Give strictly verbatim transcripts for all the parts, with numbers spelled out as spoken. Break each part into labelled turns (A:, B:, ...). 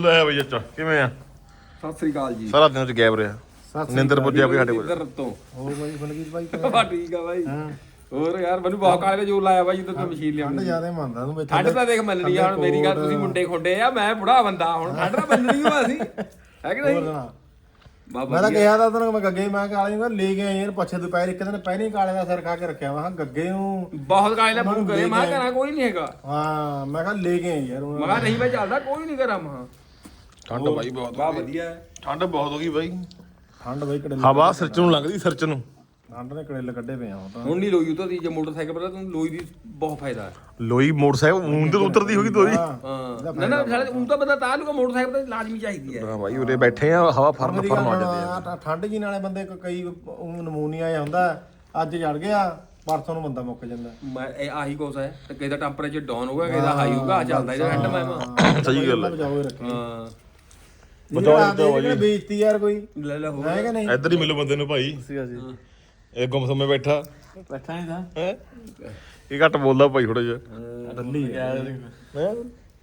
A: ਲੈ ਬਈ ਅੱਛਾ ਕਿਵੇਂ ਆ?
B: ਸਤਿ ਸ੍ਰੀ ਅਕਾਲ ਜੀ।
A: ਸਾਰਾ ਦਿਨ ਚ ਗਾਇਬ ਰਿਹਾ। ਨਿੰਦਰ ਪੁੱਜਿਆ ਕੋਈ ਸਾਡੇ ਕੋਲ।
B: ਇੱਧਰ ਤੋਂ
C: ਹੋਰ ਬਾਈ ਬਲਜੀਤ ਬਾਈ
B: ਬਾ ਠੀਕ ਆ ਬਾਈ। ਹੋਰ ਯਾਰ ਮੈਨੂੰ ਬਹੁਤ ਕਾਲੇ ਦਾ ਜੋਰ ਲਾਇਆ ਬਾਈ ਜਦੋਂ ਤੂੰ ਮਸ਼ੀਨ ਲਿਆਉਂਦੀ।
C: ਠੰਡ ਜ਼ਿਆਦਾ ਮੰਨਦਾ ਤੂੰ
B: ਠੰਡ ਤਾਂ ਦੇਖ ਮੰਨਣੀ ਆ ਹੁਣ ਮੇਰੀ ਗੱਲ। ਤੁਸੀਂ ਮੁੰਡੇ ਖੁੰਡੇ ਆ, ਮੈਂ ਬੁੜਾ ਬੰਦਾ, ਹੁਣ ਠੰਡ ਤਾਂ ਮੰਨਣੀ ਓ ਅਸੀਂ, ਹੈ ਕਿ ਨਹੀਂ?
C: ਮੈਂ ਤਾਂ ਕਿਹਾ ਤਾਂ ਤੈਨੂੰ, ਮੈਂ ਗੱਗੇ ਮੈਂ ਕਾਲੇ ਨੂੰ ਲੈ ਕੇ ਆਇਆ ਯਾਰ ਪੱਛੇ ਦੁਪਹਿਰ ਇੱਕ ਦਿਨ ਪਹਿਲੇ ਕਾਲੇ ਦਾ ਸਿਰ ਖਾ ਕੇ ਰੱਖਿਆ ਵਾ ਗੱਗੇ ਨੂੰ।
B: ਬਹੁਤ ਕਾਲੇ ਦਾ ਫੋਨ ਕਰੇ, ਮੈਂ ਕਹਾਂ ਕੋਈ ਨਹੀਂ ਹੈਗਾ।
C: ਹਾਂ ਮੈਂ ਕਿਹਾ ਲੈ ਕੇ ਆਇਆ ਯਾਰ।
B: ਮੈਂ ਕਿਹਾ ਨਹੀਂ ਮੈਂ ਚੱਲਦਾ, ਕੋਈ ਨਹੀਂ ਕਰਾਂ। ਮੈਂ
A: ਠੰਡ ਬਾਈ ਬਹੁਤ
B: ਬਾ ਵਧੀਆ
A: ਠੰਡ ਬਹੁਤ ਹੋ ਗਈ ਬਾਈ।
C: ਠੰਡ ਬਾਈ ਕੜੇ
A: ਹਵਾ ਸਿਰ ਚ ਨੂੰ ਲੱਗਦੀ, ਸਿਰ ਚ ਨੂੰ।
C: ਠੰਡ ਨੇ ਕੜੇਲ ਕੱਢੇ ਪਏ ਆ ਹੁਣ ਤਾਂ।
B: ਹੁਣ ਨਹੀਂ ਲੋਈ ਉਤਰਦੀ। ਜੇ ਮੋਟਰਸਾਈਕਲ ਪਰ ਤੂੰ ਲੋਈ ਦੀ ਬਹੁਤ ਫਾਇਦਾ ਹੈ।
A: ਲੋਈ ਮੋਟਰਸਾਈਕਲ ਉਂਦਰ ਉਤਰਦੀ ਹੋਗੀ ਦੋਈ।
B: ਹਾਂ ਨਾ ਨਾ ਸਾਡੇ ਉਂ ਤਾਂ ਬੰਦਾ ਤਾਂ ਲੂਗਾ, ਮੋਟਰਸਾਈਕਲ ਤਾਂ ਲਾਜ਼ਮੀ ਚਾਹੀਦੀ ਹੈ।
A: ਹਾਂ ਬਾਈ ਉਰੇ ਬੈਠੇ ਆ, ਹਵਾ ਫਰਨ ਫਰਨ ਆ ਜਾਂਦੀ ਆ।
C: ਠੰਡ ਜੀ ਨਾਲੇ ਬੰਦੇ ਕਈ ਨਮੂਨੀਆ ਆ ਹੁੰਦਾ, ਅੱਜ ਚੜ ਗਿਆ ਪਰਸੋਂ ਨੂੰ ਬੰਦਾ ਮੁੱਕ ਜਾਂਦਾ।
B: ਮੈਂ ਇਹ ਆਹੀ ਕੋਸ ਹੈ ਤੇ ਕਿਸੇ ਦਾ ਟੈਂਪਰੇਚਰ ਡਾਊਨ ਹੋਊਗਾ, ਕਿਸੇ ਦਾ ਹਾਈ ਹੋਊਗਾ। ਆ ਚੱਲਦਾ ਇਹਦਾ ਹੈਂਡ ਮੈਂ।
A: ਸਹੀ ਗੱਲ ਹੈ।
C: ਬਚਾਓ ਰੱਖੀ
B: ਹਾਂ
C: ਬਚਾਓ ਜੀ। ਬੇਇੱਜ਼ਤੀ ਯਾਰ ਕੋਈ
B: ਲੈ ਲੈ ਹੋ
C: ਹੈ ਕਿ ਨਹੀਂ?
A: ਇੱਧਰ ਹੀ ਮਿਲੋ ਬੰਦੇ ਨੂੰ ਭਾਈ। ਇਹ ਗੁੰਮਸਮੇ ਬੈਠਾ
C: ਬੈਠਾ ਨਹੀਂ ਤਾਂ
A: ਹੈ। ਇਹ ਘੱਟ ਬੋਲਦਾ ਭਾਈ ਥੋੜਾ ਜਿਹਾ।
C: ਦੱਲੀ ਹੈ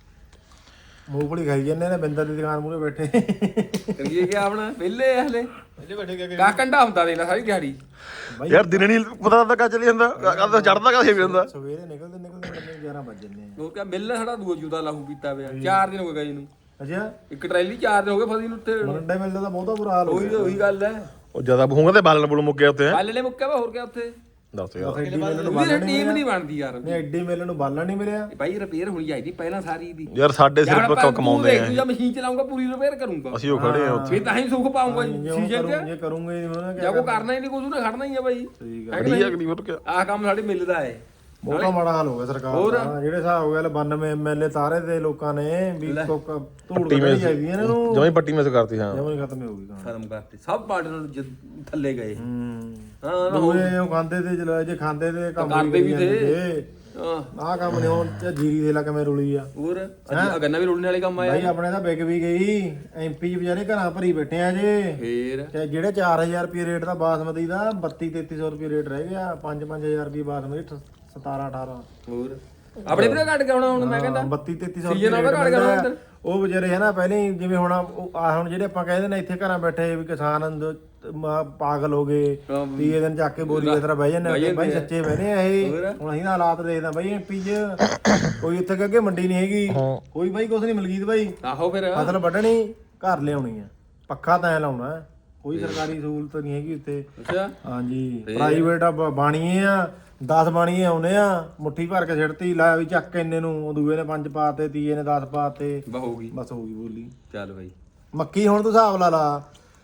C: ਮੂੰਗਫਲੀ ਖਾਈ ਜਾਂਦੇ ਨੇ ਬਿੰਦਰ ਦੀ ਦੁਕਾਨ ਮੂਹਰੇ ਬੈਠੇ।
B: ਕਰੀਏ ਕੀ ਆਪਣਾ ਵਿਹਲੇ ਆ ਹਲੇ।
A: ਇੱਥੇ ਬੈਠੇ ਕਿਆ
B: ਕਾ ਕੰਡਾ ਹੁੰਦਾ ਦੇਖ ਲੈ ਸਾਰੀ ਦਿਹਾੜੀ।
A: ਯਾਰ ਦਿਨੇ ਨਹੀਂ ਪਤਾ ਲੱਗਦਾ ਕਾ ਚਲੀ ਜਾਂਦਾ, ਕਦ ਚੜਦਾ ਕਾ ਜਾਂਦਾ।
C: ਸਵੇਰੇ ਨਿਕਲਦੇ ਨਿਕਲਦੇ ਮੈਨੂੰ ਗਿਆਰਾਂ ਵੱਜ ਜਾਂਦੇ ਆ।
B: ਉਹ ਕਿਹਾ ਮਿਲ ਸਾਡਾ ਦੂਆ ਜੂਦਾ ਲਾਹੂ ਪੀਤਾ ਪਿਆ। ਚਾਰ ਦਿਨ ਹੋ ਗਏ ਜੀ ਨੂੰ।
C: ਅੱਛਾ
B: ਇੱਕ ਟਰੈਲੀ ਚਾਰ ਦਿਨ ਹੋ ਗਏ ਫਸੀ ਨੂੰ ਉੱਥੇ।
C: ਮਰੰਡੇ ਮਿਲਦਾ ਤਾਂ ਬਹੁਤਾ ਬੁਰਾ ਹਾਲ ਹੋ
B: ਉਹੀ ਉਹੀ ਗੱਲ ਹੈ।
A: ਉਹ ਜਿਆਦਾ ਬਹੂੰਗਾ ਤੇ ਬਾਲਣ ਬੁਲ ਮੁੱਕਿਆ ਉੱਤੇ।
B: ਕੱਲ ਨੇ ਮੁੱਕਿਆ ਵਾ, ਹੋਰ ਕਿਆ ਉੱਥੇ।
A: ਦੱਸ ਯਾਰ
C: ਐਡੀ ਮੇਲੇ ਨੂੰ
B: ਉਹਦੀ ਟੀਮ ਨਹੀਂ ਬਣਦੀ ਯਾਰ।
C: ਨਹੀਂ ਐਡੀ ਮੇਲੇ ਨੂੰ ਬਾਲਣ ਨਹੀਂ ਮਿਲਿਆ।
B: ਭਾਈ ਰਿਪੇਅਰ ਹੋਣੀ ਚਾਹੀਦੀ ਪਹਿਲਾਂ ਸਾਰੀ ਦੀ।
A: ਯਾਰ ਸਾਡੇ ਸਿਰ ਪਰ ਕਮਾਉਂਦੇ ਆ।
B: ਤੂੰ ਜਾਂ ਮਸ਼ੀਨ ਚਲਾਉਂਗਾ ਪੂਰੀ ਰਿਪੇਅਰ ਕਰੂੰਗਾ।
A: ਅਸੀਂ ਉਹ ਖੜੇ ਆ ਉੱਥੇ।
B: ਫਿਰ ਤਾਂ ਹੀ ਸੁੱਖ ਪਾਉਂਗਾ ਸੀਜ਼ਨ ਚ।
C: ਜੇ ਕਰੂੰਗੇ
B: ਜਾਂ ਕੋ ਕਰਨਾ ਹੀ ਨਹੀਂ ਕੁਝ, ਉਹਨੇ ਖੜਨਾ ਹੀ ਆ ਬਾਈ।
A: ਖੜੀ ਅਗਲੀ ਹੋਰ ਕਿਆ।
B: ਆਹ ਕੰਮ ਸਾਡੇ ਮਿਲਦਾ ਹੈ।
C: ਬਹੁਤਾ ਮਾੜਾ ਹਾਲ ਹੋ ਗਿਆ ਸਰਕਾਰ ਦਾ। ਜਿਹੜੇ ਹਿਸਾਬ ਹੋ ਗਿਆ ਬਾਨਵੇਂ ਐਮਐਲਏ ਤਾਰੇ ਦੇ ਲੋਕਾਂ ਨੇ ਵੀ ਧੂੜ ਕੱਢੀ ਜਾਈਦੀ ਇਹਨਾਂ ਨੂੰ।
A: ਜਮਾਂ ਹੀ ਪੱਟੀ ਮਿਸ ਕਰਤੀ। ਹਾਂ
C: ਜਮਾਂ ਹੀ ਖਤਮ ਹੋ ਗਈ ਕਹਾਣੀ।
B: ਖਤਮ ਕਰਤੇ ਸਭ ਪਾਰਟੀਆਂ ਨੂੰ ਥੱਲੇ ਗਏ।
C: ਹੂੰ
B: ਹਾਂ
C: ਦੂਏ ਉਹ ਖਾਂਦੇ ਤੇ ਚਲਾ ਜੇ ਖਾਂਦੇ ਤੇ ਕੰਮ
B: ਕਰਦੇ ਵੀ ਤੇ।
C: ਹਾਂ ਆਹ ਕੰਮ ਨਹੀਂ ਹੁਣ ਜੀਰੀ ਦੇ ਲਾ ਕਿਵੇਂ ਰੁਲੀ ਆ।
B: ਹੋਰ ਅੱਜ ਗੰਨਾ ਵੀ ਰੋਲਣੇ ਵਾਲੇ ਕੰਮ ਆਇਆ
C: ਭਾਈ ਆਪਣੇ ਤਾਂ ਵਿਕ ਵੀ ਗਈ। ਐਮਪੀ ਵਿਚਾਰੇ ਘਰਾਂ ਭਰੀ ਬੈਠੇ ਆ ਜੇ।
B: ਫੇਰ
C: ਤੇ ਜਿਹੜੇ ਚਾਰ ਹਜ਼ਾਰ ਰੁਪਏ ਰੇਟ ਦਾ ਬਾਸਮਤੀ ਦਾ ਬੱਤੀ ਤੇਤੀ ਸੌ ਰੁਪਏ ਰੇਟ ਰਹਿ ਗਿਆ। ਪੰਜ ਪੰਜ ਹਜ਼ਾਰ ਰੁਪਏ ਬਾਸਮਤੀ ਸਤਾਰਾਂ ਅਠਾਰਾਂ।
B: ਹੋਰ ਆਪਣੇ ਵੀ ਘਟ ਗਿਆ ਹੁਣ। ਮੈਂ ਕਹਿੰਦਾ
C: ਬੱਤੀ ਤੇਤੀ ਸੌ
B: ਸੀਜ਼ਨ ਉਹਦਾ ਘਟ ਗਿਆ ਹੁਣ।
C: ਉਹ ਵਿਚਾਰੇ ਹੈ ਨਾ ਪਹਿਲੇ ਹੀ ਜਿਵੇਂ ਹੁਣ ਆ ਹੁਣ ਜਿਹੜੇ ਆਪਾਂ ਕਹਿੰਦੇ ਨੇ ਇੱਥੇ ਘਰਾਂ ਬੈਠੇ ਵੀ ਕਿਸਾਨ ਪਾਗਲ ਹੋ ਗਏ। ਤੀਏ ਦਿਨ ਚੱਕ ਕੇ ਬੋਰੀ ਦੀ ਤਰ੍ਹਾਂ ਬਹਿ ਜਾਂਦੇ। ਬਾਈ ਸੱਚੇ ਬਹਿਨੇ ਆ ਇਹ। ਹੁਣ ਅਸੀਂ ਹਾਲਾਤ ਦੇਖਦਾ ਬਾਈ ਐਮਪੀ ਚ ਕੋਈ ਇੱਥੇ ਅੱਗੇ ਮੰਡੀ ਨਹੀਂ ਹੈਗੀ। ਕੋਈ ਬਾਈ ਕੁਛ ਨਹੀਂ ਮਲਕੀਤ ਬਾਈ।
B: ਆਹੋ ਫਿਰ
C: ਫਸਲ ਵੱਢਣੀ ਘਰ ਲਿਆਉਣੀ ਆ, ਪੱਖਾ ਤਾਂ ਲਾਉਣਾ। ਕੋਈ ਸਰਕਾਰੀ ਸਹੂਲਤ ਨਹੀਂ ਹੈਗੀ ਉੱਥੇ।
B: ਅੱਛਾ
C: ਹਾਂਜੀ ਪ੍ਰਾਈਵੇਟ ਆ ਬਾਣੀਏ ਆ। ਦਸ ਬਾਣੀਏ ਆਉਨੇ ਆ, ਮੁੱਠੀ ਭਰ ਕੇ ਸਿੱਟਤੀ ਲਾ ਵੀ ਚੱਕ ਇੰਨੇ ਨੂੰ। ਦੂਏ ਨੇ ਪੰਜ ਪਾਤੇ, ਤੀਏ ਨੇ ਦਸ ਪਾਤੇ।
B: ਬਹੂਗੀ
C: ਬਸ ਹੋ ਗਈ ਬੋਲੀ।
B: ਚੱਲ ਬਾਈ
C: ਮੱਕੀ ਹੁਣ ਤੂੰ ਹਿਸਾਬ ਲਾ ਲਾ।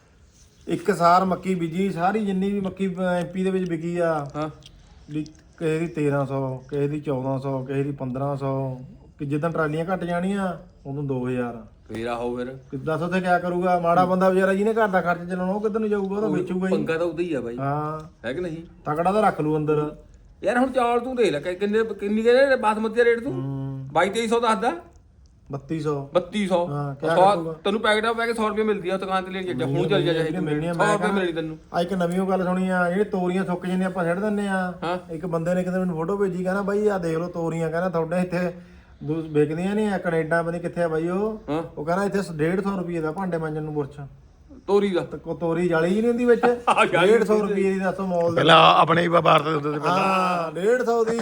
C: ਇੱਕ ਸਾਰ ਮੱਕੀ ਬੀਜੀ ਸਾਰੀ ਜਿੰਨੀ ਵੀ ਮੱਕੀ ਐਮਪੀ ਦੇ ਵਿੱਚ ਵਿਕੀ ਆ।
B: ਹਾਂ
C: ਕਿਸੇ ਦੀ ਤੇਰਾਂ ਸੌ, ਕਿਸੇ ਦੀ ਚੌਦਾਂ ਸੌ, ਕਿਸੇ ਦੀ ਪੰਦਰਾਂ ਸੌ। ਕਿ ਜਿੱਦਾਂ ਟਰਾਲੀਆਂ ਘਟ ਜਾਣੀਆਂ ਉਦੋਂ ਦੋ ਹਜ਼ਾਰ।
B: ਫੇਰ ਆਹੋ ਫਿਰ
C: ਕਿੱਦਾਂ ਉੱਥੇ ਕਿਆ ਕਰੂਗਾ ਮਾੜਾ ਬੰਦਾ ਵਿਚਾਰਾ ਜਿਹਨੇ ਘਰ ਦਾ ਖਰਚ ਚਲਾਉਣਾ ਉਹ ਕਿੱਧਰ ਨੂੰ ਜਾਊਗਾ? ਉਹ ਤਾਂ ਵੇਚੂਗਾ ਹੀ।
B: ਪੰਗਾ ਤਾਂ ਉਦਾਂ ਹੀ ਆ ਬਾਈ,
C: ਹਾਂ
B: ਹੈ ਕਿ ਨਹੀਂ?
C: ਤਕੜਾ ਤਾਂ ਰੱਖ ਲੂ ਅੰਦਰ।
B: ਯਾਰ ਹੁਣ ਚੌਲ ਤੂੰ ਦੇਖ ਲੈ ਕਿੰਨੇ ਕਿੰਨੀ ਕਹਿੰਦੇ ਬਾਸਮਤੀ ਦਾ ਰੇਟ ਤੂੰ ਬਾਈ ਤੇਈ ਸੌ ਦੱਸਦਾ।
C: ਬੱਤੀ ਸੌ
B: ਬੱਤੀ ਸੌ ਤੈਨੂੰ ਪੈਕਟ ਪੈ ਕੇ ਸੌ ਰੁਪਏ ਮਿਲਦੀ ਆ ਦੁਕਾਨ ਤੇ ਲੈ ਕੇ। ਹੁਣ ਚੱਲ ਜਾ ਜਾਏ ਸੌ ਰੁਪਏ ਮਿਲਣੀ ਤੈਨੂੰ।
C: ਆ ਇੱਕ ਨਵੀਂ ਉਹ ਗੱਲ ਸੁਣੀ ਆ, ਜਿਹੜੇ ਤੋਰੀਆਂ ਸੁੱਕ ਜਾਂਦੀਆਂ ਆਪਾਂ ਛੱਡ ਦਿੰਦੇ ਆ। ਇੱਕ ਬੰਦੇ ਨੇ ਕਿਤੇ ਮੈਨੂੰ ਫੋਟੋ ਭੇਜੀ, ਕਹਿੰਦਾ ਬਾਈ ਆ ਦੇਖ ਲਓ ਤੋਰੀਆਂ, ਕਹਿੰਦਾ ਤੁਹਾਡੇ ਇੱਥੇ ਵਿਕਦੀਆਂ ਨਹੀਂ ਆ ਕੈਨੇਡਾ ਪਤਾ ਕਿੱਥੇ ਆ ਬਾਈ ਉਹ। ਉਹ ਕਹਿੰਦਾ ਇੱਥੇ ਡੇਢ ਸੌ ਰੁਪਏ ਦਾ ਭਾਂਡੇ ਮਾਂਜਣ ਨੂੰ ਬੁਰਸ਼
B: ਤੋਰੀ ਦਾ।
C: ਕੋ ਤੋਰੀ ਜਾਲੀ ਹੀ ਨਹੀਂ ਹੁੰਦੀ ਵਿੱਚ। ਡੇਢ ਸੌ ਰੁਪਏ ਦੀ ਦੱਸੋ ਮੌਲ ਦਾ।
A: ਪਹਿਲਾਂ ਆਪਣੇ ਹੀ ਵਪਾਰ ਤੇ ਹੁੰਦੇ ਸੀ ਪਹਿਲਾਂ।
C: ਹਾਂ ਡੇਢ ਸੌ ਦੀ।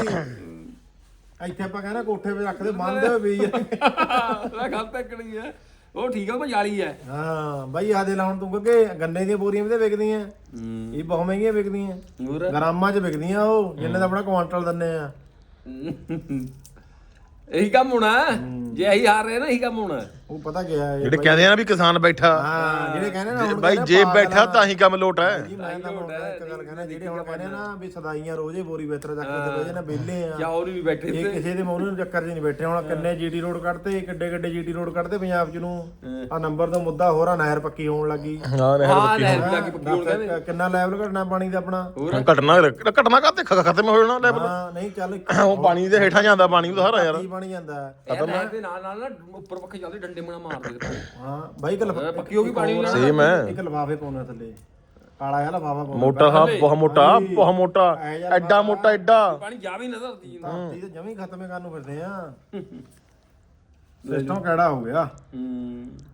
C: ਇੱਥੇ ਆਪਾਂ ਕਹਿੰਦਾ ਕੋਠੇ 'ਤੇ ਰੱਖਦੇ ਬੰਦ ਹੋਏ ਵੀ
B: ਮੈਂ ਗੱਲ ਤੱਕਣੀ ਆ ਉਹ ਠੀਕ ਆ, ਉਹ ਜਾਲੀ ਹੈ।
C: ਹਾਂ ਬਾਈ ਆ ਦੇ ਲਾ ਹੁਣ ਤੂੰ ਕਿ ਗੰਨੇ ਦੀਆਂ ਬੋਰੀਆਂ ਵੀ ਤੇ ਵਿਕਦੀਆਂ। ਇਹ ਬਹੁਤ ਮਹਿੰਗੀਆਂ ਵਿਕਦੀਆਂ, ਗ੍ਰਾਮਾਂ 'ਚ ਵਿਕਦੀਆਂ ਉਹ ਜਿੰਨੇ ਦਾ ਆਪਣਾ ਕੁਆਂਟਲ ਦਿੰਨੇ ਆ।
B: ਇਹੀ ਕੰਮ ਹੋਣਾ ਜੇ ਇਹੀ ਹਾਰ ਰਹੇ ਨਾ, ਇਹੀ ਕੰਮ ਹੋਣਾ।
C: ਉਹ ਪਤਾ ਗਿਆ
A: ਜਿਹੜੇ ਕਹਿੰਦੇ ਆ ਨਾ ਵੀ ਕਿਸਾਨ ਬੈਠਾ।
C: ਹਾਂ ਜਿਹੜੇ ਕਹਿੰਦੇ ਨਾ ਹੁਣ
A: ਬਾਈ ਜੇ ਬੈਠਾ ਤਾਂ ਹੀ ਕੰਮ ਲੋਟ ਹੈ।
C: ਜੀ ਮੈਂ ਤਾਂ ਇੱਕ ਗੱਲ ਕਹਿੰਦਾ, ਜਿਹੜੇ ਹੁਣ ਕਹਿੰਦੇ ਨਾ ਵੀ ਸਦਾਈਆਂ ਰੋਜ਼ੇ ਬੋਰੀ ਬਿਹਤਰ ਚੱਕ ਕੇ ਰੋਜ਼ੇ ਨਾ ਵਿਹਲੇ ਆ
B: ਜਾਂ ਹੋਰ ਵੀ ਬੈਠੇ
C: ਇਹ ਕਿਸੇ ਦੇ ਮੌਨੂੰ ਨੂੰ ਚੱਕਰ 'ਚ ਨਹੀਂ ਬੈਠੇ। ਹੁਣ ਕਿੰਨੇ ਜੀਟੀ ਰੋਡ ਕੱਢਤੇ, ਕਿੱਡੇ ਕਿੱਡੇ ਜੀਟੀ ਰੋਡ ਕੱਢਤੇ ਪੰਜਾਬ 'ਚ ਨੂੰ। ਆ ਨੰਬਰ ਤੋਂ ਮੁੱਦਾ ਹੋਰ ਆ, ਨਹਿਰ ਪੱਕੀ ਹੋਣ ਲੱਗੀ।
A: ਹਾਂ
C: ਕਿੰਨਾ ਲੈਵਲ ਘਟਣਾ ਪਾਣੀ ਦਾ ਆਪਣਾ।
A: ਘਟਣਾ ਘਟਣਾ ਕਾਤੇ ਖਤਮ ਹੋ ਜਾਣਾ ਲੈਵਲ।
C: ਹਾਂ ਨਹੀਂ ਚੱਲ
A: ਉਹ ਪਾਣੀ ਦੇ ਹੇਠਾਂ ਜਾਂਦਾ ਪਾਣੀ ਉਹ ਸਾਰਾ ਯਾਰ
C: ਬਣ ਜਾਂਦਾ
B: ਖਤਮ ਹੈ। ਦੇ ਨਾਲ ਨਾਲ ਨਾ ਉੱਪਰ ਪੱਖੇ ਚੱਲਦੇ ਡੰਡੇ ਮਣਾ ਮਾਰਦੇ।
C: ਹਾਂ ਬਾਈ ਗੱਲ
B: ਪੱਕੀ ਹੋ ਗਈ ਪਾਣੀ ਨਾਲ।
A: ਸੇਮ ਹੈ।
C: ਇੱਕ ਲਫਾਫੇ ਪਾਉਣਾ ਥੱਲੇ ਕਾਲਾ ਜਿਹਾ ਲਫਾਫਾ ਪਾਉਣਾ।
A: ਮੋਟਾ ਹਾਂ ਬਹੁਤ ਮੋਟਾ ਬਹੁਤ ਮੋਟਾ ਐਡਾ ਮੋਟਾ ਐਡਾ
B: ਪਾਣੀ ਜਾ ਵੀ ਨਜ਼ਰ ਆਉਂਦੀ ਜਿੰਦਾ।
C: ਧਰਤੀ ਤੇ ਜਮੀ ਖਤਮੇ ਕਰਨ ਨੂੰ ਫਿਰਦੇ ਆ। ਸਿਸਟਮ ਕਿਹੜਾ ਹੋ ਗਿਆ।
B: ਹੂੰ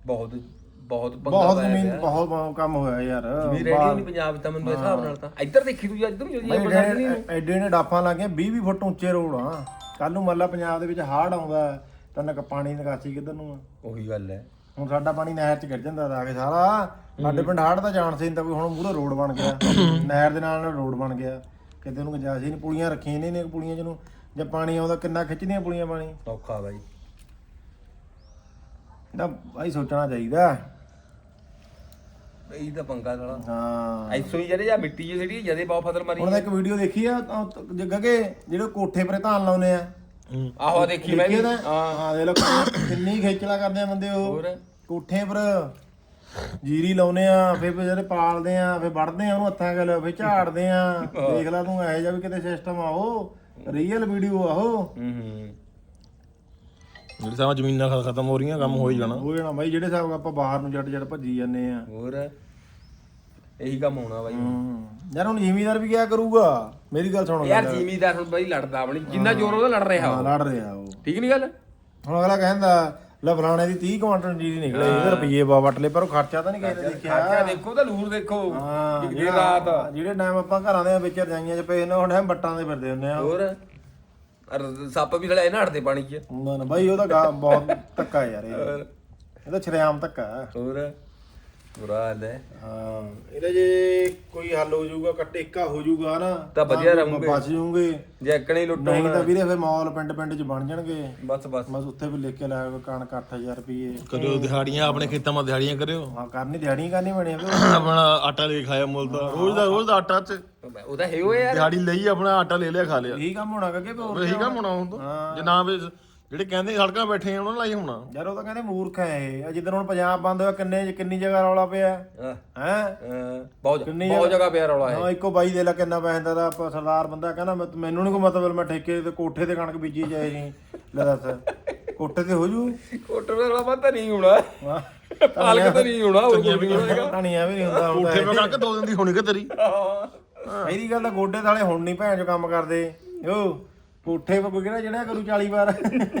B: ਬਹੁਤ ਬਹੁਤ ਪੰਗਾ
C: ਬਹੁਤ
B: ਪਾਇਆ
C: ਜ਼ਮੀਨ
B: ਪਿਆ।
C: ਬਹੁਤ ਕੰਮ ਹੋਇਆ ਯਾਰ
B: ਜ਼ਮੀਨ ਰੇਡੀ ਨਹੀਂ ਪੰਜਾਬ 'ਚ ਤਾਂ ਮੈਨੂੰ ਇਸ ਹਿਸਾਬ ਨਾਲ ਤਾਂ ਇੱਧਰ ਦੇਖੀ ਤੂੰ ਇੱਧਰ ਨੂੰ ਜੀ ਆਪਾਂ ਸਾਡੇ ਨਹੀਂ
C: ਐਡੇ ਨੇ ਡਾਫਾਂ ਲੱਗੀਆਂ ਵੀਹ ਵੀਹ ਫੁੱਟ ਉੱਚੇ ਰੋਡ ਆ ਕੱਲ ਨੂੰ ਮੱਲਾ ਪੰਜਾਬ ਦੇ ਵਿੱਚ ਹਾੜ ਆਉਂਦਾ ਤਾਂ ਨਾ ਪਾਣੀ ਨਿਕਾਸੀ ਕਿੱਧਰ ਨੂੰ ਆ
B: ਉਹੀ ਗੱਲ ਹੈ
C: ਹੁਣ ਸਾਡਾ ਪਾਣੀ ਨਹਿਰ 'ਚ ਗਿਰ ਜਾਂਦਾ ਤਾਂ ਆ ਕੇ ਸਾਰਾ ਸਾਡੇ ਪਿੰਡ ਹਾੜ ਦਾ ਜਾਣ ਸੀ ਤਾਂ ਕੋਈ ਹੁਣ ਮੂਹਰੇ ਰੋਡ ਬਣ ਗਿਆ ਨਹਿਰ ਦੇ ਨਾਲ ਨਾਲ ਰੋਡ ਬਣ ਗਿਆ ਕਿਤੇ ਨੂੰ ਗੁੰਜਾਇਸ਼ ਹੀ ਨਹੀਂ ਪੁਲੀਆਂ ਰੱਖੀਆਂ ਨੇ ਨੇ ਪੁਲੀਆਂ ਜਿਹਨੂੰ ਜੇ ਪਾਣੀ ਆਉਂਦਾ ਕਿੰਨਾ ਖਿੱਚਦੀਆਂ ਪੁਲੀਆਂ ਪਾਣੀ
B: ਔਖਾ ਬਾਈ
C: ਇਹਦਾ ਭਾਈ ਸੋਚਣਾ ਚਾਹੀਦਾ
B: ਇਹ ਤਾਂ ਪੰਗਾ ਸਾਲਾ
C: ਹਾਂ
B: ਐਸੋ ਹੀ ਜਿਹੜੇ ਜਾਂ ਮਿੱਟੀ ਜਿਹੀ ਜਿਹੜੀ ਜਦੇ ਬਹੁਤ ਫਸਲ ਮਾਰੀ
C: ਹੁਣ ਤਾਂ ਇੱਕ ਵੀਡੀਓ ਦੇਖੀ ਆ ਜੱਗੇ ਜਿਹੜੇ ਕੋਠੇ ਪਰੇ ਧਾਨ ਲਾਉਨੇ ਆ
B: ਆਹੋ ਦੇਖੀ ਮੈਂ ਵੀ
C: ਦੇਖੀ ਆ ਹਾਂ ਹਾਂ ਦੇਖ ਲਓ ਕਿੰਨੀ ਖੇਚਲਾ ਕਰਦੇ ਆ ਬੰਦੇ ਉਹ
B: ਹੋਰ
C: ਕੋਠੇ ਪਰ ਜੀਰੀ ਲਾਉਨੇ ਆ ਫਿਰ ਜਿਹੜੇ ਪਾਲਦੇ ਆ ਫਿਰ ਵੜਦੇ ਆ ਉਹਨੂੰ ਹੱਥਾਂ ਗੱਲ ਫਿਰ ਝਾੜਦੇ ਆ ਦੇਖ ਲੈ ਤੂੰ ਇਹੋ ਜਿਹਾ ਵੀ ਕਿਤੇ ਸਿਸਟਮ ਆ ਉਹ ਰੀਅਲ ਵੀਡੀਓ ਆ ਉਹ
B: ਹੂੰ ਹੂੰ
A: ਜਿਹੜੀ ਸਾਰਾ ਜ਼ਮੀਨਾਂ ਖ- ਖਤਮ ਹੋ ਰਹੀਆਂ ਕੰਮ ਹੋ ਹੀ ਜਾਣਾ
C: ਹੋ ਜਾਣਾ ਬਾਈ ਜਿਹੜੇ ਹਿਸਾਬ ਆਪਾਂ ਬਾਹਰ ਨੂੰ ਜੱਟ ਜੱਟ ਭੱਜੀ ਜਾਂਦੇ ਆ
B: ਹੋਰ ਇਹੀ ਕੰਮ ਹੋਣਾ ਬਾਈ
C: ਹੂੰ ਯਾਰ ਹੁਣ ਜ਼ਿਮੀਦਾਰ ਵੀ ਕਿਆ ਕਰੂਗਾ ਮੇਰੀ ਗੱਲ ਸੁਣੋ
B: ਯਾਰ ਜ਼ਿਮੀਦਾਰ ਹੁਣ ਬਾਈ ਲੜਦਾ ਆਪਣੀ ਜਿੰਨਾ ਜ਼ੋਰ ਉਹਦਾ ਲੜ ਰਿਹਾ
C: ਹਾਂ
B: ਉਹ।
C: ਲੜ ਰਿਹਾ ਉਹ
B: ਠੀਕ ਨਹੀਂ ਗੱਲ
C: ਹੁਣ ਅਗਲਾ ਕਹਿੰਦਾ ਲੈ ਫਲਾਣੇ ਦੀ ਤੀਹ ਕੁਆਂਟਲ ਜੀਰੀ ਨਿਕਲੇ ਇਹਦੇ ਰੁਪਈਏ ਬਾ ਵਟ ਲਏ ਪਰ ਉਹ ਖਰਚਾ ਤਾਂ ਨਹੀਂ ਕਿਸੇ ਨੇ ਦੇਖਿਆ
B: ਖਰਚਾ ਦੇਖੋ ਤਾਂ ਲੂਰ ਦੇਖੋ
C: ਹਾਂ
B: ਇੱਕ ਦਿਨ ਰਾਤ
C: ਜਿਹੜੇ ਟਾਈਮ ਆਪਾਂ ਘਰਾਂ ਦੇ ਵਿੱਚ ਰਜਾਈਆਂ 'ਚ ਪਏ ਨੇ ਹੁਣ ਟਾਈਮ ਬੱਟਾਂ ਦੇ ਫਿਰਦੇ ਹੁੰਦੇ ਆ
B: ਹੋਰ ਅਰ ਸੱਪ ਵੀ ਲੜਾਏ ਨਾ ਹਟਦੇ ਪਾਣੀ 'ਚ
C: ਨਾ ਨਾ ਬਾਈ ਉਹਦਾ ਗਾ ਬਹੁਤ ਧੱਕਾ ਯਾਰ ਇਹ ਇਹਦਾ ਛਰੇਆਮ ਧੱਕਾ
B: ਹੋਰ ਬੁਰਾ ਹਾਲ ਹੈ
C: ਹਾਂ ਇਹਦਾ ਜੇ ਕੋਈ ਹੱਲ ਹੋ ਜਾਊਗਾ ਕੱਟੇਕਾ ਹੋ ਜਾਊਗਾ ਨਾ
B: ਤਾਂ ਵਧੀਆ ਰਹੂਗੇ
C: ਬਚ ਜਾਊਗੇ
B: ਜੇ ਇੱਕਣੇ ਲੁੱਟੋ
C: ਨਹੀਂ ਤਾਂ ਵੀਰੇ ਫਿਰ ਮਾਲ ਪਿੰਡ ਪਿੰਡ 'ਚ ਬਣ ਜਾਣਗੇ
B: ਬਸ ਬਸ
C: ਬਸ ਉੱਥੇ ਵੀ ਲਿਖ ਕੇ ਲਾਇਆ ਹੋਇਆ ਕਣਕ ਅੱਠ ਹਜ਼ਾਰ ਰੁਪਏ
A: ਕਰਿਓ ਦਿਹਾੜੀਆਂ ਆਪਣੇ ਖੇਤਾਂ 'ਮਾ ਦਿਹਾੜੀਆਂ ਕਰਿਓ
C: ਹਾਂ ਕਰਨੀ ਦਿਹਾੜੀ ਕਰਨੀ ਬਣੀ
A: ਆਪਣਾ ਆਟਾ ਲੈ ਕੇ ਖਾਇਆ ਮੁੱਲ ਦਾ ਰੋਜ਼ ਦਾ ਰੋਜ਼ ਦਾ ਆਟਾ ਚ
B: ਉਹਦਾ ਹੈ ਉਹ ਯਾਰ
A: ਦਿਹਾੜੀ ਲਈ ਆਪਣਾ ਆਟਾ ਲੈ ਲਿਆ ਖਾ ਲਿਆ
C: ਇਹੀ ਕੰਮ ਹੋਣਾ ਕਿ ਹੋਰ
A: ਇਹੀ ਕੰਮ ਹੋਣਾ ਹੁਣ ਤਾਂ ਜੇ ਨਾ ਵੀ ਜਿਹੜੇ ਕਹਿੰਦੇ ਸੜਕਾਂ ਬੈਠੇ ਆ ਉਹਨਾਂ ਨਾਲ ਹੀ ਹੋਣਾ
C: ਯਾਰ ਉਹ ਤਾਂ ਕਹਿੰਦੇ ਮੂਰਖ ਹੈ ਇਹ ਜਿੱਦਣ ਹੁਣ ਪੰਜਾਬ ਬੰਦ ਹੋਇਆ ਕਿੰਨੇ ਕਿੰਨੀ ਜਗ੍ਹਾ ਰੌਲਾ ਪਿਆ
B: ਹਾਂ,
C: ਹੈ
B: ਹਾਂ, ਬਹੁਤ ਬਹੁਤ ਜਗ੍ਹਾ ਪਿਆ ਰੌਲਾ ਹੈ
C: ਹਾਂ ਇੱਕੋ ਬਾਈ ਦੇ ਲਾ ਕਿੰਨਾ ਪੈਸਾ ਦਾ ਆਪਾਂ ਸਰਦਾਰ ਬੰਦਾ ਕਹਿੰਦਾ ਮੈਂ- ਮੈਨੂੰ ਨਹੀਂ ਕੋਈ ਮਤਲਬ ਮੈਂ ਠੇਕੇ ਤੇ ਕੋਠੇ ਤੇ ਕਣਕ ਬੀਜੀ ਜਾਏ ਜੀ ਲੈ ਦੱਸ ਕੋਠੇ ਤੇ ਹੋ ਜੂ
B: ਕੋਟਰ ਦਾ ਰੌਲਾ ਪਤਾ ਨਹੀਂ ਹੋਣਾ
C: ਵਾਹ
B: ਪਾਲਕ ਤਾਂ ਨਹੀਂ ਹੋਣਾ ਹੋਰ ਕੋਈ ਨਹੀਂ ਹੋਏਗਾ
C: ਕਹਾਣੀਆਂ ਵੀ ਨਹੀਂ ਹੁੰਦਾ ਹੁਣ
A: ਕੋਠੇ ਪੇ ਕਣਕ ਦੋ ਦਿਨ ਦੀ ਹੋਣੀ ਕਿ ਤੇਰੀ
C: ਇਹਦੀ ਗੱਲ ਤਾਂ ਗੋਡੇ ਥਾਲੇ ਹੁਣ ਨਹੀਂ ਭੈਣ ਚੋ ਕੰਮ ਕਰਦੇ ਓ ਕੋਠੇ ਪੇ ਕੋਈ ਕਿਹੜਾ ਜਿਹੜਾ ਕਰੂ ਚਾਲੀ ਵਾਰ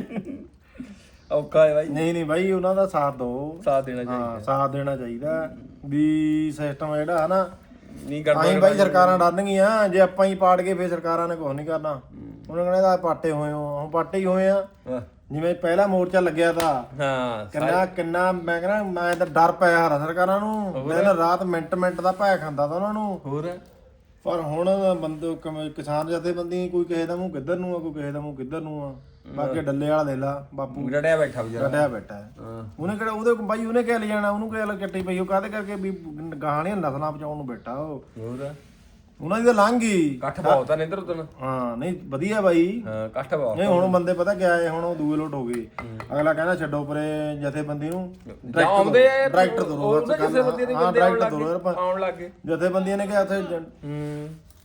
B: ਔਖਾ ਹੈ ਬਾਈ
C: ਨਹੀਂ ਨਹੀਂ ਬਾਈ ਉਹਨਾਂ ਦਾ ਸਾਥ ਦੋ
B: ਸਾਥ ਦੇਣਾ ਚਾਹੀਦਾ
C: ਹਾਂ ਸਾਥ ਦੇਣਾ ਚਾਹੀਦਾ ਵੀ ਸਿਸਟਮ ਜਿਹੜਾ ਹੈ ਨਾ
B: ਨਹੀਂ ਕਰਦਾ
C: ਆਈ ਬਾਈ ਸਰਕਾਰਾਂ ਡਰਨਗੀਆਂ ਜੇ ਆਪਾਂ ਹੀ ਪਾੜ ਕੇ ਫੇਰ ਸਰਕਾਰਾਂ ਨੇ ਕੁਝ ਨਹੀਂ ਕਰਨਾ ਉਹਨਾਂ ਕਹਿੰਦੇ ਆ ਪਾਟੇ ਹੋਏ ਹੋ ਹੁਣ ਪਾਟੇ ਹੀ ਹੋਏ ਆ
B: ਹਾਂ,
C: ਜਿਵੇਂ ਪਹਿਲਾ ਮੋਰਚਾ ਲੱਗਿਆ ਤਾਂ
B: ਹਾਂ
C: ਕਿੰਨਾ ਕਿੰਨਾ ਮੈਂ ਕਹਿੰਦਾ ਮੈਂ ਤਾਂ ਡਰ ਪਿਆ ਹਰਾ ਸਰਕਾਰਾਂ ਨੂੰ ਦਿਨ ਰਾਤ ਮਿੰਟ ਮਿੰਟ ਦਾ ਭੈ ਖਾਂਦਾ ਤਾਂ ਉਹਨਾਂ ਨੂੰ
B: ਹੋਰ
C: ਪਰ ਹੁਣ ਬੰਦੇ ਕਮ- ਕਿਸਾਨ ਜਥੇਬੰਦੀ ਕੋਈ ਕਿਸੇ ਦਾ ਮੂੰਹ ਕਿੱਧਰ ਨੂੰ ਆ ਕੋਈ ਕਿਸੇ ਦਾ ਮੂੰਹ ਕਿੱਧਰ ਨੂੰ ਆ ਬਾਕੀ ਡੱਲੇ ਵਾਲਾ ਦੇ ਲਾ ਬਾਪੂ
B: ਰੜਿਆ ਬੈਠਾ ਵਿਚਾਰਾ
C: ਡੱਡਿਆ ਬੈਠਾ ਹੈ।
B: ਹਾਂ
C: ਉਹਨੇ ਕਿਹੜਾ ਉਹਦੇ ਕੋਲ ਬਾਈ ਉਹਨੇ ਕਿਹਾ ਲੈ ਜਾਣਾ ਉਹਨੂੰ ਕਿਹਾ ਚੱਟੀ ਪਈ ਉਹ ਕਾਹਦੇ ਕਰਕੇ ਵੀ ਗਾਹਣੀਆਂ ਨਸਲਾਂ ਬਚਾਉਣ ਨੂੰ ਬੈਠਾ ਉਹ
B: ਹੋਰ
C: ਉਹਨਾਂ ਦੀ ਤਾਂ ਲੰਘ ਗਈ
B: ਕੱਠ ਬਹੁਤ ਆ ਨਿੰਦਰ ਉਤਨ
C: ਹਾਂ ਨਹੀਂ ਵਧੀਆ ਬਾਈ
B: ਹਾਂ ਕੱਠ ਬਹੁਤ
C: ਨਹੀਂ ਹੁਣ ਬੰਦੇ ਪਤਾ ਕਿਆ ਹੈ ਹੁਣ ਉਹ ਦੂਏ ਲੋਟ ਹੋ ਗਏ ਅਗਲਾ ਕਹਿੰਦਾ ਛੱਡੋ ਪਰੇ ਜਥੇਬੰਦੀ ਨੂੰ
B: ਜਾਂ ਆਉਂਦੇ ਆ
C: ਡਾਇਰੈਕਟਰ ਤੋਂ ਰੋਜ਼
B: ਉਹਨਾਂ ਕਿਸੇ ਬੰਦੇ ਦੇ
C: ਹਾਂ
B: ਬੰਦੇ ਆਉਣ
C: ਡਾਇਰੈਕਟਰ
B: ਲੱਗ
C: ਤੋਂ
B: ਗਏ ਆਉਣ ਲੱਗ ਗਏ
C: ਜਥੇਬੰਦੀਆਂ ਨੇ ਕਿਹਾ ਉੱਥੇ ਜ-
B: ਹੂੰ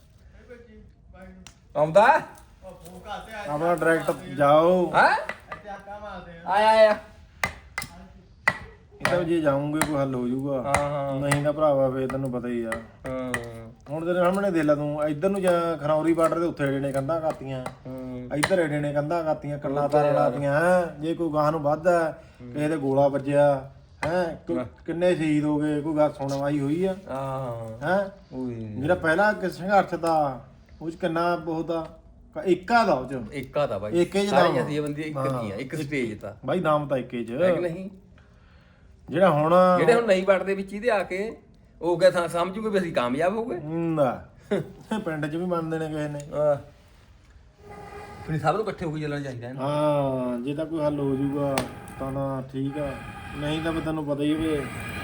B: ਆਉਂਦਾ
C: ਆਪਣਾ ਡਾਇਰੈਕਟਰ ਜਾਓ
B: ਹੈ ਆਇਆ ਆਇਆ
C: ਇਹ ਤਾਂ ਜੇ ਜਾਉਂਗੇ ਕੋਈ ਹੱਲ ਹੋ ਜਾਊਗਾ
B: ਹਾਂ ਹਾਂ
C: ਨਹੀਂ ਤਾਂ ਭਰਾਵਾ ਫੇਰ ਤੈਨੂੰ ਪਤਾ ਹੀ ਆ
B: ਹਾਂ
C: ਹੁਣ ਤੇਰੇ ਸਾਹਮਣੇ ਦੇ ਲਾ ਤੂੰ ਇੱਧਰ ਨੂੰ ਜਾਂ ਖਨੌਰੀ ਬਾਰਡਰ ਦੇ ਉੱਥੇ ਏਡੇ ਨੇ ਕੰਧਾਂ ਕਾਤੀਆਂ
B: ਹੂੰ
C: ਇੱਧਰ ਏਡੇ ਨੇ ਕੰਧਾਂ ਕਾਤੀਆਂ ਕੰਨਾਂ ਤਾਰਾਂ ਲਾਤੀਆਂ ਹੈਂ। ਜੇ ਕੋਈ ਗਾਹ ਨੂੰ ਵੱਧਦਾ ਕਿਸੇ ਦੇ ਗੋਲਾ ਵੱਜਿਆ ਹੈ ਕਿੰਨੇ ਸ਼ਹੀਦ ਹੋ ਗਏ ਕੋਈ ਗੱਲ ਸੁਣਵਾਈ ਹੋਈ ਆ
B: ਹਾਂ
C: ਹੈ
B: ਓਏ
C: ਜਿਹੜਾ ਪਹਿਲਾ ਕਿ ਸੰਘਰਸ਼ ਦਾ ਉਹ ਚ ਕਿੰਨਾ ਬਹੁਤ ਆ ਇੱਕਾ ਦਾ ਉਹ ਚ
B: ਇੱਕਾ ਦਾ ਬਾਈ
C: ਏਕੇ ਚ
B: ਸਾਰੀਆਂ ਦੀ ਬੰਦੀ ਇੱਕ ਦੀਆਂ ਇੱਕ ਸਟੇਜ ਤਾਂ
C: ਬਾਈ ਨਾਮ ਤਾਂ ਇੱਕੇ ਚ
B: ਹੈ ਕਿ ਨਹੀਂ
C: ਜਿਹੜਾ ਹੁਣ
B: ਜਿਹੜੇ ਹੁਣ ਨਹੀਂ ਵੜਦੇ ਵਿੱਚ ਇਹਦੇ ਆ ਕੇ ਉਹ ਕਿਆ ਥਾਂ ਸਮਝੂਗੇ ਵੀ ਅਸੀਂ ਕਾਮਯਾਬ ਹੋ ਗਏ
C: ਨਾ ਪਿੰਡ ਚ ਵੀ ਮੰਨਦੇ ਨੇ ਕਿਸੇ ਨੇ
B: ਹਾਂ ਫਿਰ ਸਭ ਨੂੰ ਇਕੱਠੇ ਹੋ ਕੇ ਚੱਲਣਾ ਚਾਹੀਦਾ ਹੈ ਨਾ
C: ਹਾਂ ਜੇ ਤਾਂ ਕੋਈ ਹੱਲ ਹੋ ਜਾਊਗਾ ਤਾਂ ਨਾ ਠੀਕ ਆ ਨਹੀਂ ਤਾਂ ਫਿਰ ਤੈਨੂੰ ਪਤਾ ਹੀ ਹੋਵੇ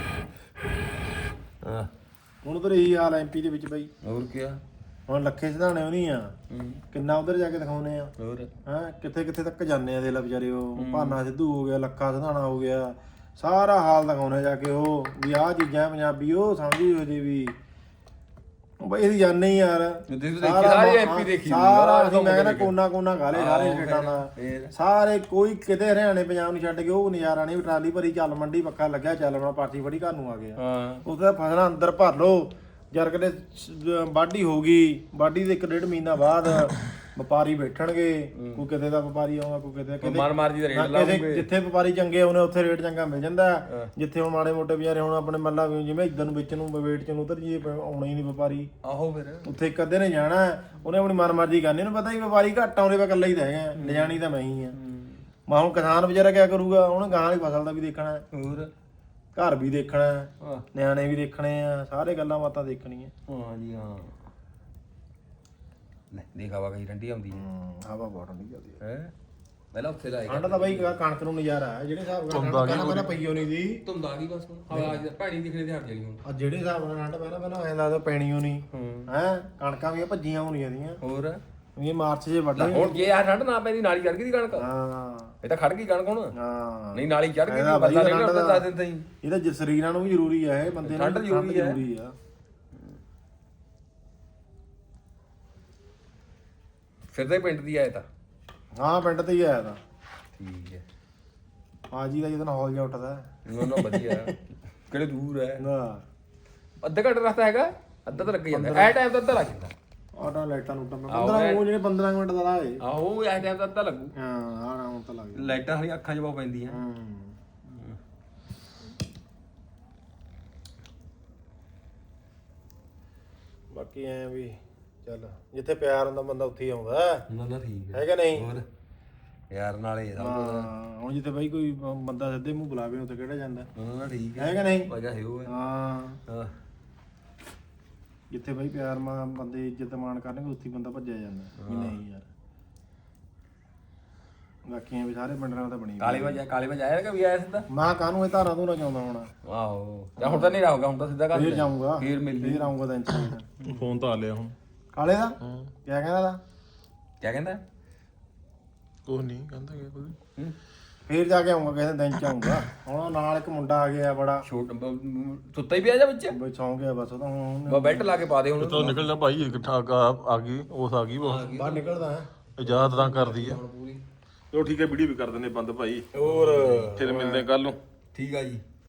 B: ਹਾਂ
C: ਹੁਣ ਉਧਰ ਇਹੀ ਹਾਲ ਐਮਪੀ ਦੇ ਵਿੱਚ ਬਾਈ
B: ਹੋਰ ਕੀ
C: ਹੁਣ ਲੱਖੇ ਸਿਧਾਣੇ ਉਹ ਨਹੀਂ ਆ ਕਿੰਨਾ ਉਧਰ ਜਾ ਕੇ ਦਿਖਾਉਨੇ ਆ
B: ਹੋਰ
C: ਹੈ ਕਿੱਥੇ ਕਿੱਥੇ ਤੱਕ ਜਾਂਦੇ ਆ ਦੇ ਲਾ ਵਿਚਾਰੇ ਉਹ ਭਾਨਾ ਸਿੱਧੂ ਹੋ ਗਿਆ ਲੱਖਾ ਸਿਧਾਣਾ ਹੋ ਗਿਆ ਸਾਰਾ ਹਾਲ ਦਿਖਾਉਣੇ ਜਾ ਕੇ ਉਹ ਵੀ ਆਹ ਚੀਜ਼ਾਂ ਪੰਜਾਬੀ ਉਹ ਸਮਝੀ ਹੋ ਜੇ ਵੀ ਉਹ ਬਈ ਇਹਦੀ ਜਾਣੇ ਹੀ ਯਾਰ
B: ਸਾਰੇ ਐਮਪੀ ਦੇਖੀ
C: ਸਾਰਾ ਅਸੀਂ ਮੈਂ ਕਹਿੰਦਾ ਕੋਨਾ ਕੋਨਾ ਗਾ ਲਏ ਸਾਰੇ ਸਟੇਟਾਂ ਦਾ ਸਾਰੇ ਕੋਈ ਕਿਤੇ ਹਰਿਆਣੇ ਪੰਜਾਬ ਨੂੰ ਛੱਡ ਕੇ ਉਹ ਨਜ਼ਾਰਾ ਨਹੀਂ ਟਰਾਲੀ ਭਰੀ ਚੱਲ ਮੰਡੀ ਪੱਖਾ ਲੱਗਿਆ ਚੱਲ ਆਪਣਾ ਪਾਰਟੀ ਫੜੀ ਘਰ ਨੂੰ ਆ ਗਿਆ
B: ਹਾਂ
C: ਉੱਥੇ ਤਾਂ ਫਸਲਾਂ ਅੰਦਰ ਭਰ ਲੋ ਜਰ ਕਦੇ ਵਾਢੀ ਹੋ ਗਈ ਵਾਢੀ ਦੇ ਇੱਕ ਡੇਢ ਮਹੀਨਾ ਬਾਅਦ ਵਪਾਰੀ ਬੈਠਣਗੇ, ਕੋਈ ਕਿਤੇ ਦਾ ਵਪਾਰੀ ਆਉਂਦਾ, ਕੋਈ ਕਿਤੇ ਕਿਤੇ
B: ਮਾਰ ਮਾਰ ਜੀ ਦਾ ਰੇਟ
C: ਕਿਸੇ
B: ਲਾਉਂਗੇ।
C: ਜਿੱਥੇ ਵਪਾਰੀ ਚੰਗੇ ਆਉਣੇ ਉੱਥੇ ਰੇਟ ਚੰਗਾ ਮਿਲ ਜਾਂਦਾ। ਜਿੱਥੇ ਹੁਣ ਮਾੜੇ ਮੋਟੇ ਵਿਚਾਰੇ ਹੁਣ ਆਪਣੇ ਮੱਲਾ ਵੀ ਜਿਵੇਂ ਇੱਧਰ ਨੂੰ ਵਿੱਚ ਨੂੰ ਵੇਟ ਚ ਨੂੰ ਉਧਰ ਜੀ ਆਉਣਾ ਹੀ ਨਹੀਂ ਵਪਾਰੀ।
B: ਆਹੋ ਫਿਰ
C: ਉੱਥੇ ਇੱਕ ਅੱਧੇ ਨੇ ਜਾਣਾ, ਉਹਨੇ ਆਪਣੀ ਮਨ ਮਰਜ਼ੀ ਕਰਨੀ, ਉਹਨੂੰ ਪਤਾ ਹੀ ਵਪਾਰੀ ਘੱਟ ਆਉਂਦੇ ਵਾ, ਇਕੱਲਾ ਹੀ ਤਾਂ ਹੈਗਾ, ਲਿਜਾਣੀ ਤਾਂ ਮੈਂ ਹੀ ਆ। ਮੈਂ ਹੁਣ ਕਿਸਾਨ ਵਿਚਾਰਾ ਕਿਆ ਕਰੂਗਾ, ਉਹਨੇ ਗਾਂ ਵਾਲੀ ਫਸਲ ਦਾ ਵੀ ਦੇਖਣਾ,
B: ਹੋਰ
C: ਘਰ ਵੀ ਦੇਖਣਾ, ਨਿਆਣੇ ਵੀ ਦੇਖਣੇ ਆ, ਸਾਰੇ ਗੱਲਾਂ ਬਾਤਾਂ ਦੇਖਣੀਆਂ।
B: ਹਾਂ ਜੀ ਹਾਂ। ਲੈ ਦੇਖ ਹਵਾ ਕਈ ਠੰਡੀ ਆਉਂਦੀ ਹੈ।
C: ਹਵਾ ਬਹੁਤ ਠੰਡੀ ਚੱਲਦੀ ਹੈ।
B: ਹੈ ਪਹਿਲਾਂ ਉੱਥੇ ਲਾਏਗਾ
C: ਠੰਡ ਤਾਂ ਬਾਈ ਕਣਕ ਨੂੰ ਨਜ਼ਾਰਾ ਹੈ, ਜਿਹੜੇ ਹਿਸਾਬ ਨਾਲ ਠੰਡ ਪਹਿਲਾਂ ਪਹਿਲਾਂ ਪਈਓ ਨਹੀਂ ਦੀ
B: ਧੁੰਦ ਆ ਗਈ ਬਸ ਹੁਣ ਹਵਾ ਅੱਜ ਪਾਣੀ ਦਿਖਣੇ ਤੇ ਹਟ ਜਾਣੀ ਹੁਣ।
C: ਆ ਜਿਹੜੇ ਹਿਸਾਬ ਨਾਲ ਠੰਡ ਪਹਿਲਾਂ ਪਹਿਲਾਂ ਐਂ ਲੱਗਦਾ ਪੈਣੀਓ ਨਹੀਂ ਹੈ। ਕਣਕਾਂ ਵੀ ਭੱਜੀਆਂ ਹੋਣੀਆਂ ਦੀਆਂ,
B: ਹੋਰ
C: ਇਹ ਮਾਰਚ ਜੇ ਵੱਢ
B: ਹੁਣ ਜੇ ਆ ਠੰਡ ਨਾ ਪੈਂਦੀ ਨਾਲੀ ਚੜ ਗਈ ਦੀ ਕਣਕ।
C: ਹਾਂ
B: ਇਹ ਤਾਂ ਖੜ ਗਈ ਕਣਕ ਹੁਣ।
C: ਹਾਂ
B: ਨਹੀਂ ਨਾਲੀ ਚੜ ਗਈ
C: ਇਹਦਾ
B: ਬੰਦਾ
C: ਵਧੀਆ
B: ਨਹੀਂ
C: ਠੰਡ
B: ਉੱਤੇ
C: ਦਾ-
B: ਦੱਸ ਦਿੰਦਾ ਹੀ।
C: ਇਹਦਾ ਜ- ਸਰੀਰਾਂ ਨੂੰ ਵੀ ਜ਼ਰੂਰੀ ਹੈ, ਇਹ ਬੰਦੇ ਨੂੰ
B: ਠੰਡ
C: ਵੀ
B: ਜ਼ਰੂਰੀ ਹੈ।
C: ਜ਼ਰੂਰੀ ਆ।
B: ਫਿਰਦੇ ਪਿੰਡ ਦੀ ਆਏ ਤਾਂ
C: ਹਾਂ ਪਿੰਡ ਤੇ ਹੀ ਆਇਆ ਤਾਂ
B: ਠੀਕ ਹੈ।
C: ਆਜੀ ਦਾ ਜਦੋਂ ਹੌਲ ਜਾ ਉੱਠਦਾ
B: ਨਾ ਨਾ ਵਧੀਆ ਕਿਹੜੇ ਦੂਰ ਹੈ
C: ਨਾ
B: ਅੱਧਾ ਘੰਟਾ ਰਸਤਾ ਹੈਗਾ, ਅੱਧਾ ਤਾਂ ਲੱਗ ਜਾਂਦਾ ਐ ਟਾਈਮ ਤਾਂ ਅੱਧਾ ਲੱਗ ਜਾਂਦਾ।
C: ਆਟਾ ਲਾਈਟਾਂ ਨੂੰ ਟੰਨਾ ਪੰਦਰਾਂ ਉਹ ਜਿਹੜੇ ਪੰਦਰਾਂ ਮਿੰਟ ਦਾ ਰਾਹ ਏ।
B: ਆਹੋ ਐ ਟਾਈਮ ਤਾਂ ਅੱਧਾ ਲੱਗੂ।
C: ਹਾਂ ਆਰਾਮ ਤਾਂ ਲੱਗ ਜਾਂਦਾ।
B: ਲਾਈਟਾਂ ਹਰੀ ਅੱਖਾਂ 'ਚ ਬਹੁਤ ਪੈਂਦੀਆਂ।
C: ਹੂੰ ਬਾਕੀ ਐ ਵੀ ਚੱਲ ਜਿੱਥੇ ਪਿਆਰ ਹੁੰਦਾ ਬੰਦਾ ਉੱਥੇ ਹੀ ਆਉਂਦਾ,
B: ਨਾ ਨਾ ਠੀਕ
C: ਹੈ ਕਿ ਨਹੀਂ?
B: ਹੋਰ ਯਾਰ ਨਾਲੇ ਸਭ
C: ਹਾਂ ਹੁਣ ਜਿੱਥੇ ਬਾਈ ਕੋਈ ਬੰਦਾ ਸਿੱਧੇ ਮੂੰਹ ਬੁਲਾਵੇ ਉੱਥੇ ਕਿਹੜਾ ਜਾਂਦਾ,
B: ਨਾ ਨਾ ਠੀਕ
C: ਹੈ ਕਿ ਨਹੀਂ?
B: ਵਜ੍ਹਾ ਹੈ ਉਹ ਹੈ।
C: ਹਾਂ
B: ਹਾਂ
C: ਜਿੱਥੇ ਬਾਈ ਪਿਆਰ ਮਾਂ ਬੰਦੇ ਇੱਜ਼ਤ ਮਾਣ ਕਰਨਗੇ ਉੱਥੇ ਹੀ ਬੰਦਾ ਭੱਜਿਆ ਜਾਂਦਾ ਵੀ ਨਹੀਂ ਯਾਰ। ਬਾਕੀ ਐ ਵੀ ਸਾਰੇ ਪਿੰਡ ਨਾਲ ਤਾਂ ਬਣੀ
B: ਕਾਲੇ ਵਜਾ ਕਾਲੇ ਵਜਾ ਆਇਆ ਕਿ ਵੀ ਆਇਆ ਸਿੱਧਾ।
C: ਮਾਂ ਕਾਹਨੂੰ ਇਹ ਧਾਰਾਂ ਧੂਰਾਂ ਚਾਉਂਦਾ ਹੋਣਾ।
B: ਆਹੋ ਜਾਂ ਹੁਣ ਤਾਂ ਨਹੀਂ ਰਹੂਗਾ, ਹੁਣ ਤਾਂ ਸਿੱਧਾ ਕਰ
C: ਫੇਰ ਜਾਊਂਗਾ,
B: ਫੇਰ ਮਿਲ ਲਈ।
C: ਫੇਰ ਆਉਂਗਾ ਦਿਨ ਚ।
A: ਫੋਨ ਤਾਂ ਆ ਲਿਆ ਹੁਣ
C: ਕਾਲੇ ਦਾ ਕਿਆ ਕਹਿੰਦਾ ਦਾ
B: ਕਿਆ ਕਹਿੰਦਾ
A: ਕੁਝ ਨਹੀਂ ਕਹਿੰਦਾ ਕਿ ਕੋਈ
B: ਹੂੰ
C: ਫੇਰ ਜਾ ਕੇ ਆਉਂਗਾ ਕਿਸੇ ਦਿਨ ਚ ਆਉਂਗਾ। ਹੁਣ ਨਾਲ ਇੱਕ ਮੁੰਡਾ ਆ ਗਿਆ ਬੜਾ,
B: ਛੋਟ ਸੁੱਤਾ ਹੀ ਪਿਆ ਜਾ ਵਿੱਚ
C: ਬਈ ਸੌਂ ਗਿਆ ਬਸ ਉਹ ਤਾਂ ਹੁਣ
B: ਬਾ ਬੈਲਟ ਲਾ ਕੇ ਪਾ ਦੇ ਹੁਣ।
A: ਤਾਂ ਨਿਕਲ ਜਾ ਭਾਈ ਇਕੱਠਾ ਆ ਗਈ ਉਸ ਆ ਗਈ ਉਹ
C: ਬਾਹਰ ਨਿਕਲਦਾ ਹੈ।
A: ਇਜਾਜ਼ਤ ਤਾਂ ਕਰਦੀ ਆ।
B: ਪੂਰੀ
A: ਚਲੋ ਠੀਕ ਹੈ ਵੀਡੀਓ ਵੀ ਕਰ ਦਿੰਦੇ ਬੰਦ ਭਾਈ,
B: ਹੋਰ
A: ਫਿਰ ਮਿਲਦੇ ਕੱਲ ਨੂੰ।
B: ਠੀਕ ਆ ਜੀ।